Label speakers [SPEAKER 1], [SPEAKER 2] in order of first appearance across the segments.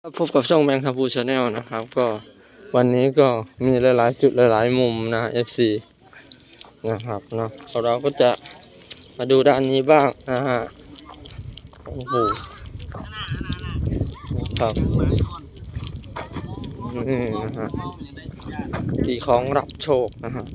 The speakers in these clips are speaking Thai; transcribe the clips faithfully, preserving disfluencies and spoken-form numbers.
[SPEAKER 1] พบกับช่องแมงคาพูชาแนลนะครับก็วันนี้ก็มีหลายๆจุดหลายๆมุมนะ เอฟ ซี นะครับเนาะเราก็จะมาดูด้านนี้บ้างนะฮะโอ้โหครับนี่นะฮะตีของรับโชคนะฮะ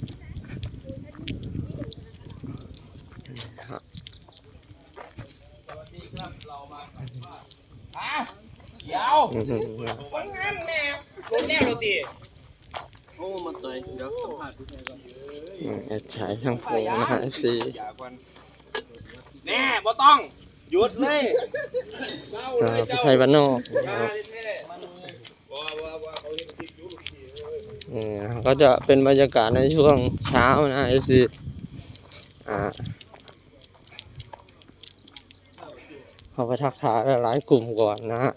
[SPEAKER 2] เดี๋ยววันนั้นแม่คนแรกเราตีโอ้มาต่อยเดี๋ยวสัมภาษณ์พี่ชายก่อน
[SPEAKER 1] แอดฉายช่างพงนะฮะ เอฟ ซี
[SPEAKER 2] แน่บ่ต้องหยุดเลย
[SPEAKER 1] พี่ชัยบ้านนอกนี่ก็จะเป็นบรรยากาศในช่วงเช้านะ เอฟ ซี อ่าเขาไปทักทายหลายกลุ่มก่อนนะฮะ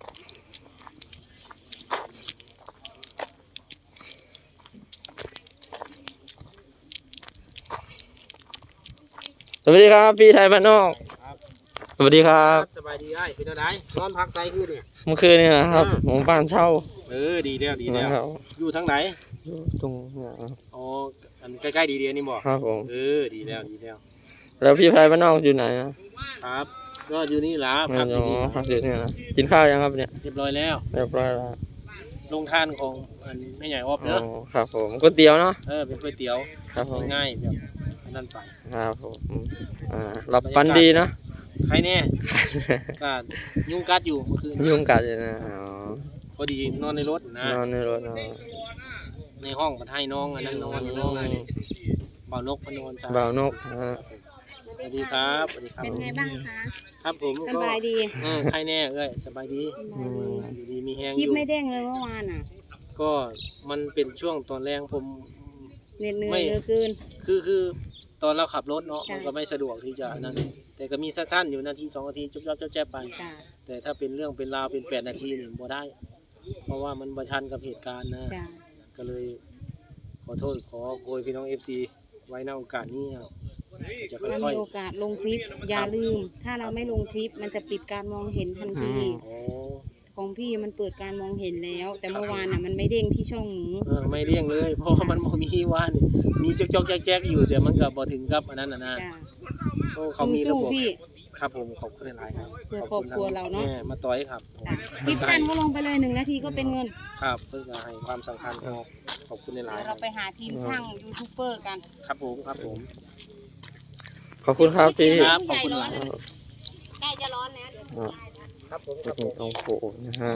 [SPEAKER 1] สวัสดีครับพี่ไทยบ้านนอกสวัสดีครับ
[SPEAKER 2] สบายดีไอ้เป็นอะไรนอนพักไซคือนี่
[SPEAKER 1] เมื่อคืนนี่นะครับผมบ้านเช่า
[SPEAKER 2] เออดีแล้วดีแล้วอยู่ทางไหน
[SPEAKER 1] อยู่ตรงนี้ครับ
[SPEAKER 2] อ๋ออันใกล้ๆดีเดียนี่บอก
[SPEAKER 1] ครับผม
[SPEAKER 2] เออดีแล้วดีแล้ว
[SPEAKER 1] แล้วพี่ไทยบ้านนอกอยู่ไหนครับ
[SPEAKER 2] ก็อยู่นี่ล่ะ
[SPEAKER 1] พักอยู่นี่พักอยู่นี่นะกินข้าวยังครับเนี่ย
[SPEAKER 2] เรียบร้อยแล้ว
[SPEAKER 1] เรียบร้อยแล้ว
[SPEAKER 2] ลงทานของอันไม่ใหญ่ออฟเนอะ
[SPEAKER 1] ครับผมก๋วยเตี๋ยวเนาะ
[SPEAKER 2] เออเป็นก๋วยเตี๋ยว
[SPEAKER 1] ครับผม
[SPEAKER 2] ง่ายแบบนั่นไป
[SPEAKER 1] ครับผมอ่ารับปันดีนะ
[SPEAKER 2] ใครแน่ก็ยุงกัดอยู่เมื่อคืน
[SPEAKER 1] ยุงกัดอยู่นะอ๋อ
[SPEAKER 2] พอดีนอนในรถนะ
[SPEAKER 1] นอนในรถ
[SPEAKER 2] ในห้องมันให้น้องอันนั้นนอนอยู่น้องบ่าวนกพนอนจ้า
[SPEAKER 1] บ่าวนก
[SPEAKER 2] สวัสดีครับสวัสดีครับ
[SPEAKER 3] เป็นไงบ้างคะ
[SPEAKER 2] ครับผม
[SPEAKER 3] สบายดี
[SPEAKER 2] เออใครแน่เอ้ยสบายดีอยู่ดีมีแห้งอยู่
[SPEAKER 3] คลิปไม่เด้งเลยเมื่อวานอ่ะ
[SPEAKER 2] ก็มันเป็นช่วงตอนแรกผม
[SPEAKER 3] เหนื่อยเหนื่อยเหลือเกิน
[SPEAKER 2] คือคือตอนเราขับรถเนาะมันก็ไม่สะดวกที่จะนั่นแต่ก็มีสั้นๆอยู่นาทีสองนาทีจุ๊บจ๊บจ๊บแจ๊บไปแต่ถ้าเป็นเรื่องเป็นราวเป็นแปดนาทีนี่บ่ได้เพราะว่ามันประชันกับเหตุการณ์นะก็เลยขอโทษขอโกยพี่น้อง เอฟ ซี ไว้ในโอกาสนี้ครับ
[SPEAKER 3] จะค่อยๆมีโอกาสลงคลิปอย่าลืมถ้าเราไม่ลงคลิปมันจะปิดการมองเห็นทันทีของพี่มันเปิดการมองเห็นแล้วแต่เมื่อวานน่ะมันไม่เด้งที่ช่องหนู
[SPEAKER 2] เออไม่เด้งเลยเพราะมันมีว่านมีจอกๆแจ๊กๆอยู่แต่มันก็บ่ถึงกับอันนั้นน่ะนะโอ้เขามีระบบครับผมขอบคุณหลายๆครับ
[SPEAKER 3] เพื่อครอบครัวเราเนาะ
[SPEAKER 2] มาต่อยครับ
[SPEAKER 3] คลิปสั้นก็ลงไปเลยหนึ่งนาทีก็เป็นเงิน
[SPEAKER 2] ครับเพื่อให้ความสำคัญขอบคุณหลายๆ
[SPEAKER 3] เราไปหาทีมช่างยูทูบเบอร์กัน
[SPEAKER 2] ครับผมครับผม
[SPEAKER 1] ขอบคุณครับพี่
[SPEAKER 2] ครับขอบคุณหลาย
[SPEAKER 3] ใกล้จะร้อนแล้ว
[SPEAKER 2] ครับผม
[SPEAKER 1] ครับผมต้องโผล่นะฮะ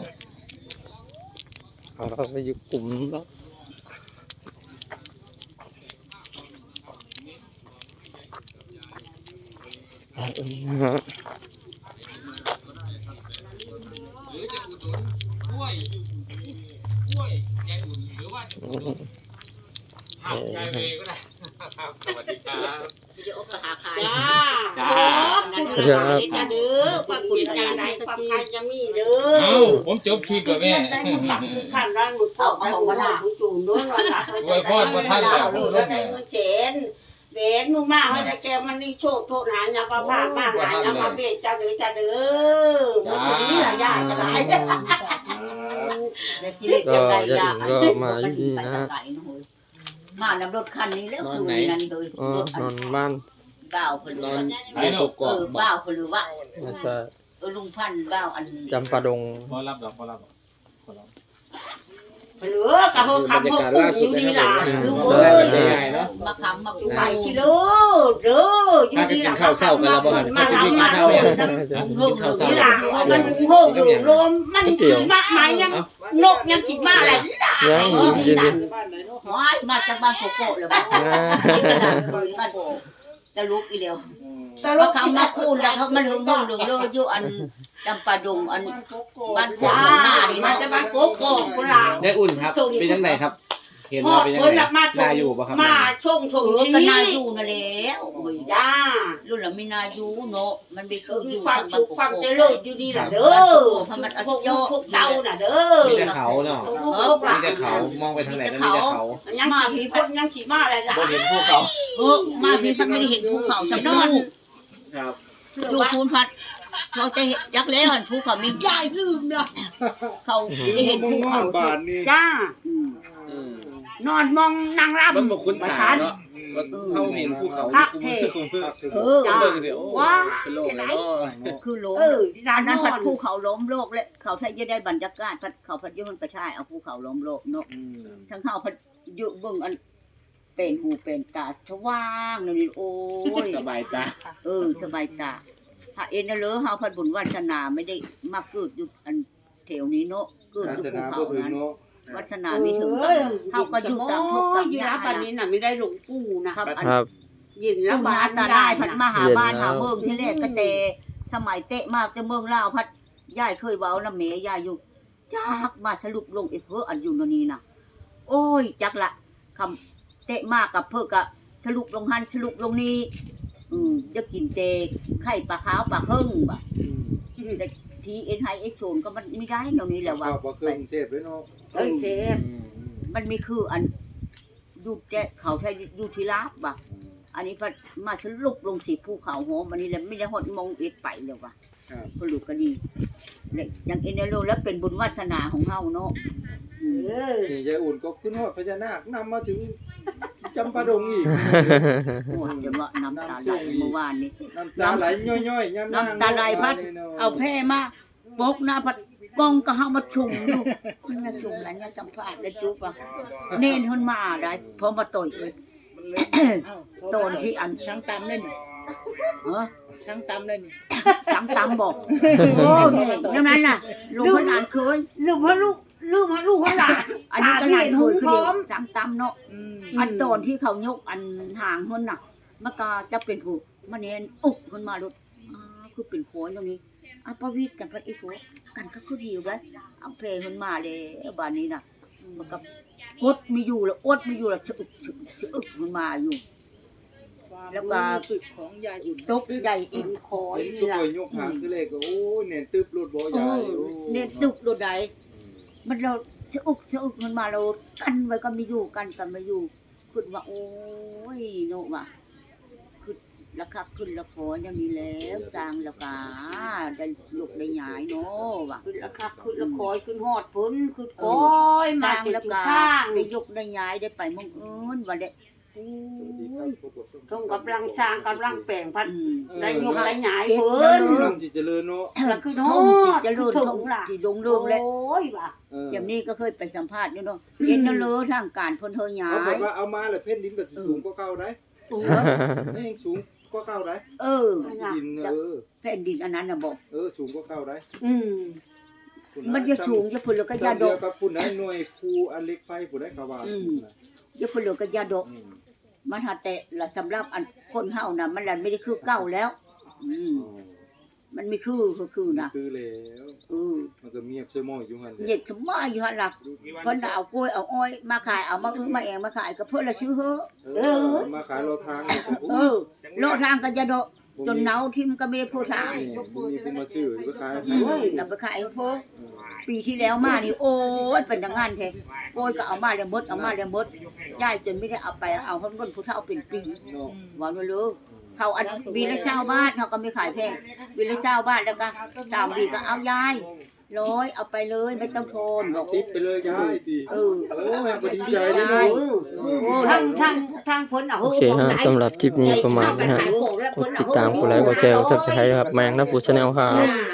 [SPEAKER 1] เราไปอยู่กลุ่มแล้วนะฮะ
[SPEAKER 2] สวัสดีครับ
[SPEAKER 3] จ้า
[SPEAKER 2] จ้า
[SPEAKER 3] จ้าจะเด้อความบุญการไหนความใครจะมีเด้อ
[SPEAKER 2] ผมจบคลิปกับแม่
[SPEAKER 3] ท่านร่างหมุดเผาไปของกระดาษจูนด้วยว่าหลักไว้พ่อมาท่านแล้วได้เงินเฉนเบนมึงมาให้ได้แกมันนี่โชคโทษหาอย่าประพาสมากหายอย่ามาเบ็ดจ้าเด้อจ้าเด้อวันนี้หลายอย่างจะหลาย
[SPEAKER 1] ก็จะถึงก็มาที่นี่นะฮะ
[SPEAKER 3] มาแล้วรถคันนี้แล้วคือนี่นั่นเลย
[SPEAKER 1] นอนบ้าน
[SPEAKER 3] บ่าวคนรู้ว่าเออบ่าวคนรู้ว่าเออลุงพันบ่าวอัน
[SPEAKER 1] จำปาดง
[SPEAKER 2] พอรับหรอพอรับหรอ
[SPEAKER 3] เหลือกระโหกคำพวกกูอยู่นี่ล่ะลูกเอ้ยมาคำมากูไปสิลูกเด้ออยู่นี่ล่ะ
[SPEAKER 2] ข้าวเศร้ากันแล้วบ่
[SPEAKER 3] มาเรามาเด้อข้าวเศร้านี่ล่ะมันโหกอยู่รวมมันขี่มาหมายยังนกยังขี่มาอะไร
[SPEAKER 1] ยังยินดี
[SPEAKER 3] มาจากบ้านโกโก้เลยบ้านจะลุกอีเดียวแต่ลูกเขามาคูนแล้วเขามาถึงห้องหนึ่งเลยอยู่อันจำปาดงอันบ้านว้านี่มาจากบ้านโกโก้คนละ
[SPEAKER 2] ได้อุ่นครับเป็นยังไงครับเห็นว่าเป็นยังไงนาอยู่ป่ะครับ
[SPEAKER 3] มาช่งช่งที่ก็นาอยู่นั่นแหละโอ้ยจ้ารุ่นละมีนาอยู่เนาะมันมีคืออยู่ความสุขความเจริญอยู่นี่แหละเด้อเพราะมันพวกพวกเต้าน่ะเด้อ
[SPEAKER 2] มีแต่เขาเนาะมีแต่เขามองไปทางไหนก็มีแต่เขา
[SPEAKER 3] ยังมาผีพวกยังขี่มาอะไรจ้ะ
[SPEAKER 2] บ่เห็นภูเขา
[SPEAKER 3] มาผีพัดไม่ได้เห็นภูเขาสำนอน
[SPEAKER 2] ครับ
[SPEAKER 3] อยู่ภูพัดเขาจะยักษ์แล้วภูเขามีใหญ่ลืมเนาะเขาจะเห็นภูเขา
[SPEAKER 4] บาทนี่
[SPEAKER 3] จ้า
[SPEAKER 2] อืม
[SPEAKER 3] นอนมองนางรำ
[SPEAKER 2] มันบ่คุ้นตา
[SPEAKER 3] ชัน
[SPEAKER 2] เนาะว่าเฮาเห็นภูเขา
[SPEAKER 3] พักเท
[SPEAKER 2] คุ้นคือ
[SPEAKER 3] เออ
[SPEAKER 2] จ้าเบิ่งสิโอ้
[SPEAKER 3] ว้า
[SPEAKER 2] เป็นโลกเลยเนาะ
[SPEAKER 3] คือล้ม
[SPEAKER 5] เออ
[SPEAKER 3] อันนั้น
[SPEAKER 5] น
[SPEAKER 3] พัดภูเขาล้มโลกเลยเขาใช้จะได้บรรยากาศพัดเขาพัดยุ่งประชายเอาภูเขาล้มโลกเนาะ
[SPEAKER 2] อืม
[SPEAKER 3] ทั้งเขาพัดยุ่เบิ่งอันเป็นหูเป็นตาสว่างนี่โอ้ย
[SPEAKER 2] สบายตา
[SPEAKER 3] เออสบายตาหาเอ็นน่ะเลอเฮาพัดบุญวาสนาไม่ได้มาเกิดอยู่อันแถวนี้เนาะเกิด
[SPEAKER 4] ศา
[SPEAKER 3] อยู่
[SPEAKER 4] ส
[SPEAKER 3] ภู
[SPEAKER 4] นา
[SPEAKER 3] เขา
[SPEAKER 4] บ่ถึง
[SPEAKER 3] นั้น
[SPEAKER 4] เนาะ
[SPEAKER 3] วาสนาไม่ถึงกันเฮาก็อยู่ตามทุกข์ตาม
[SPEAKER 5] อยู่
[SPEAKER 3] ยา
[SPEAKER 5] รับ
[SPEAKER 3] ก
[SPEAKER 5] ปัน
[SPEAKER 3] นะ
[SPEAKER 5] นี้น่ะไม่ได้หลวงปู่นะครับ อัน
[SPEAKER 1] ครับ
[SPEAKER 5] ยิน
[SPEAKER 3] แล้
[SPEAKER 5] แล้ว ว
[SPEAKER 3] มา
[SPEAKER 5] มา
[SPEAKER 3] ตา
[SPEAKER 5] ตา
[SPEAKER 3] ได้
[SPEAKER 5] ได้
[SPEAKER 3] พั
[SPEAKER 5] พั
[SPEAKER 3] ด
[SPEAKER 5] ด
[SPEAKER 3] มา
[SPEAKER 5] มา
[SPEAKER 3] หาบ้าน
[SPEAKER 1] เย็นแล้ว
[SPEAKER 3] หาเมืองที่แรกก็แต่สมัยเตะมาแต่เมืองลาวพัดยายเคยเว้านำแม่ยายอยู่จักมาสรุปลงไอ้เพ้ออันอยู่ตรงนี้น่ะ โอ้ยจักละคำเตะมากกับเพิ่อก็สรุปลงหันสรุปลงนี้อืมจะกินเตะไข่ปลาขาวปลาเฮิ่งบ่ะแต่ทีเอ็นไฮเอ็กโซนก็มันไม่ได้เดี๋ยวนี้แหละว่า
[SPEAKER 4] ข้าวบ่เครื่องเสพเลยเนาะ
[SPEAKER 3] เอ้ยเซฟ
[SPEAKER 4] อืม
[SPEAKER 3] มันมีคืออันดูแจ๊เขาใช้ดูทีลาบบ่ะอันนี้พัดมาสรุปลงสีภูเขาโหมอันนี้แหละไม่ได้หดมองเอ็ดไปเลยว่ะ
[SPEAKER 4] ครับ
[SPEAKER 3] ก็ลูกก็ดีเลยอย่างเอ็นเนโรแล้วเป็นบุญวาสนาของเฮาเนาะอืม
[SPEAKER 5] เออ
[SPEAKER 4] นี่ยายอุ่นก็ขึ้นฮอดพญานาคนำมาถึงจำปาดงอีก
[SPEAKER 3] โอ้ยเดี๋ยวว่าน้ำตาไหลเมื่อวานนี้
[SPEAKER 4] น้ำตาไหลย่อยๆย่ำ
[SPEAKER 3] น้ำตาไหลพัด เอาแพร่มาปกหน้าพัดกล้องก็เฮามาชุมอยู่เนี่ยชุมแล้วเนี่ยสัมภาษณ์แล้วจุ๊บอ่ะเน้นขึ้นมาได้พอมาต่อยเลย โดนที่อัน
[SPEAKER 5] ช่างตำเล่น
[SPEAKER 3] เออ
[SPEAKER 5] ช่างตำเล่น
[SPEAKER 3] สังตำบอกโอ้ยนั่นนั้นน่ะลุงพนานเคย
[SPEAKER 5] ลูกพ่อลูกลูกพ่อลูกพ่อหลาน
[SPEAKER 3] อันนี้ก็หลานเคยคือเดียว
[SPEAKER 5] พร้อม
[SPEAKER 3] สังตำเนาะ
[SPEAKER 5] อืม
[SPEAKER 3] อันตอนที่เขายกอันห่างคนน่ะมันก็จะเป็นผู้มาเน้นอุกคนมาลุดอ่าคือเป็นโขนตรงนี้อ่ะประวิตรกันพัดอีกโขกันก็คือดีอยู่ไว้เอาเพลคนมาเลยบ้านนี้น่ะมันก็อดไม่อยู่แล้วอดไม่อยู่แล้วชะอึกชะอึกชะอึกคนมาอยู่ แล้วก็
[SPEAKER 5] ความรู้สึกของยายอุ่น
[SPEAKER 3] ตกใหญ่อินคอย
[SPEAKER 4] เห็น
[SPEAKER 3] นี่
[SPEAKER 4] ช่ว
[SPEAKER 3] ล่ะ
[SPEAKER 4] ยยกหางคือเลขก็โอ้ยเน่นตึบรถบ่
[SPEAKER 3] เอ
[SPEAKER 4] ใหญ่
[SPEAKER 3] อ
[SPEAKER 4] โอ้
[SPEAKER 3] เนี่ยตุกโดดใดมันเราชะอึกชะอึกมันมาเรากันไว้ก็ไม่อยู่กันกันไม่อยู่คุณว่าโอ้ยโนว่ะคือราคาขึ้นราคาอย่างนี้แล้วสร้างราคาได้ลูกได้หยายเนาะว่ะ
[SPEAKER 5] ขึ้นราคาขึ้นละคอยขึ้นฮอดพ้นขึ้นโอ้ย
[SPEAKER 3] ส
[SPEAKER 5] มา
[SPEAKER 3] ร้าง
[SPEAKER 5] จุด
[SPEAKER 3] รา
[SPEAKER 5] จุด
[SPEAKER 3] คา
[SPEAKER 5] ข้าง
[SPEAKER 3] ได้ยกได้หยายได้ไปเมองเอิญว่าได้โอ้
[SPEAKER 4] สวัสดีครั
[SPEAKER 3] ย
[SPEAKER 4] บพบกับส้ม
[SPEAKER 5] ทงกำลังสร้างกำลังแปลงพัด
[SPEAKER 3] อืม
[SPEAKER 5] ได้ยกได้หยาย
[SPEAKER 3] เฮ็ด
[SPEAKER 5] เพิ่น
[SPEAKER 4] กำลังสิเจริญเนาะ
[SPEAKER 5] แล้วขึ้นฮ
[SPEAKER 3] ท่
[SPEAKER 5] อ
[SPEAKER 3] องสิ
[SPEAKER 5] ด
[SPEAKER 3] เจะรูด
[SPEAKER 5] ถึ
[SPEAKER 3] ท่อง
[SPEAKER 5] งล่ะ
[SPEAKER 3] สิดงเรื่องเลย
[SPEAKER 5] โอ้ยว่ะ
[SPEAKER 4] เออ
[SPEAKER 3] เจมนี่ก็เคยไปสัมภาษณ์อยู่เนาะเห็นนั่นเลยทางการเพิ่นเฮาหยา
[SPEAKER 4] เขาบอก
[SPEAKER 3] ย
[SPEAKER 4] ว่าเอามาแล้วเพชรดินก็สิสูงกว่าเก่าได้
[SPEAKER 3] เออ
[SPEAKER 4] ไม่ยังสูงกว่าเก่าได้
[SPEAKER 3] เออ
[SPEAKER 4] ดินเออ
[SPEAKER 3] แผ่นดินอันนั้นน่ะบอก
[SPEAKER 4] เออสูงกว่าเก่าได้
[SPEAKER 5] อืม
[SPEAKER 3] มันจะสูงจะพุ่นแล้วก็ยาด
[SPEAKER 4] เดีย
[SPEAKER 3] ก
[SPEAKER 4] วกับผู้ใดหน่วยครูอันเล็กไฟผู้ใดเขาว่า
[SPEAKER 3] อืม จะพุ่นแล้วก็ยาดก
[SPEAKER 4] อืม
[SPEAKER 3] มันหาแต่ละสำหรับอันคนเฮาน่ะมันละไม่ได้คือเก่าแล้ว อืม
[SPEAKER 4] อ๋อ
[SPEAKER 3] มันไม่คือก็คือนะ
[SPEAKER 4] คือแล้ว
[SPEAKER 3] เออ
[SPEAKER 4] มันก็เมียบช่วยมองอยู่หั่น
[SPEAKER 3] เหยียดขึ้นมาอยู่หั่นล่ะเพิ่นน่ะเอากล้วยเอาอ้อยมาขายเอามาอื้อมาแองมาขายก็เพิ่นละซื้อเฮ้อ
[SPEAKER 4] เออมาขายเราทางนี่ก็
[SPEAKER 3] เออโลทางก็ยาดกจนเนาทิ่มก็ไม่ได้พูดทาง
[SPEAKER 4] นี่บ่มีผู้มาซื้อไปขายให้
[SPEAKER 3] เฮ้ยเราไปขายให้พวกปีที่แล้วมานี่โอ้ยเป็นอย่างงั้นแท้โอ้ยก็เอามาแล้วหมดเอามาแล้วหมดยายจนไม่ได้เอาไปเอาเพิ่นคนผู้เฒ่าเป็นปี
[SPEAKER 4] เนาะ
[SPEAKER 3] ว่าไม่รู้เขาอันวีละเช้าบ้านเขาก็ไม่ขายแพงวีละเช้าบ้านแล้วก็สามวีก็เอายายร้อยเอาไปเลยไม่ต้องโทนบอก
[SPEAKER 4] ติดไปเลยยายติ
[SPEAKER 3] เออ
[SPEAKER 4] โอ้แม่ก็ดีใจเด้เนาะ
[SPEAKER 3] โอ้
[SPEAKER 5] ทางทางทางพ้นอ่ะ
[SPEAKER 1] โอเคฮะสำหรับคลิปนี้ประมาณนี้ฮะกดติดตามกดไลค์กดแชร์กดซับสไครต์ครับแมงนะปูชาแนลครับ
[SPEAKER 5] อ่า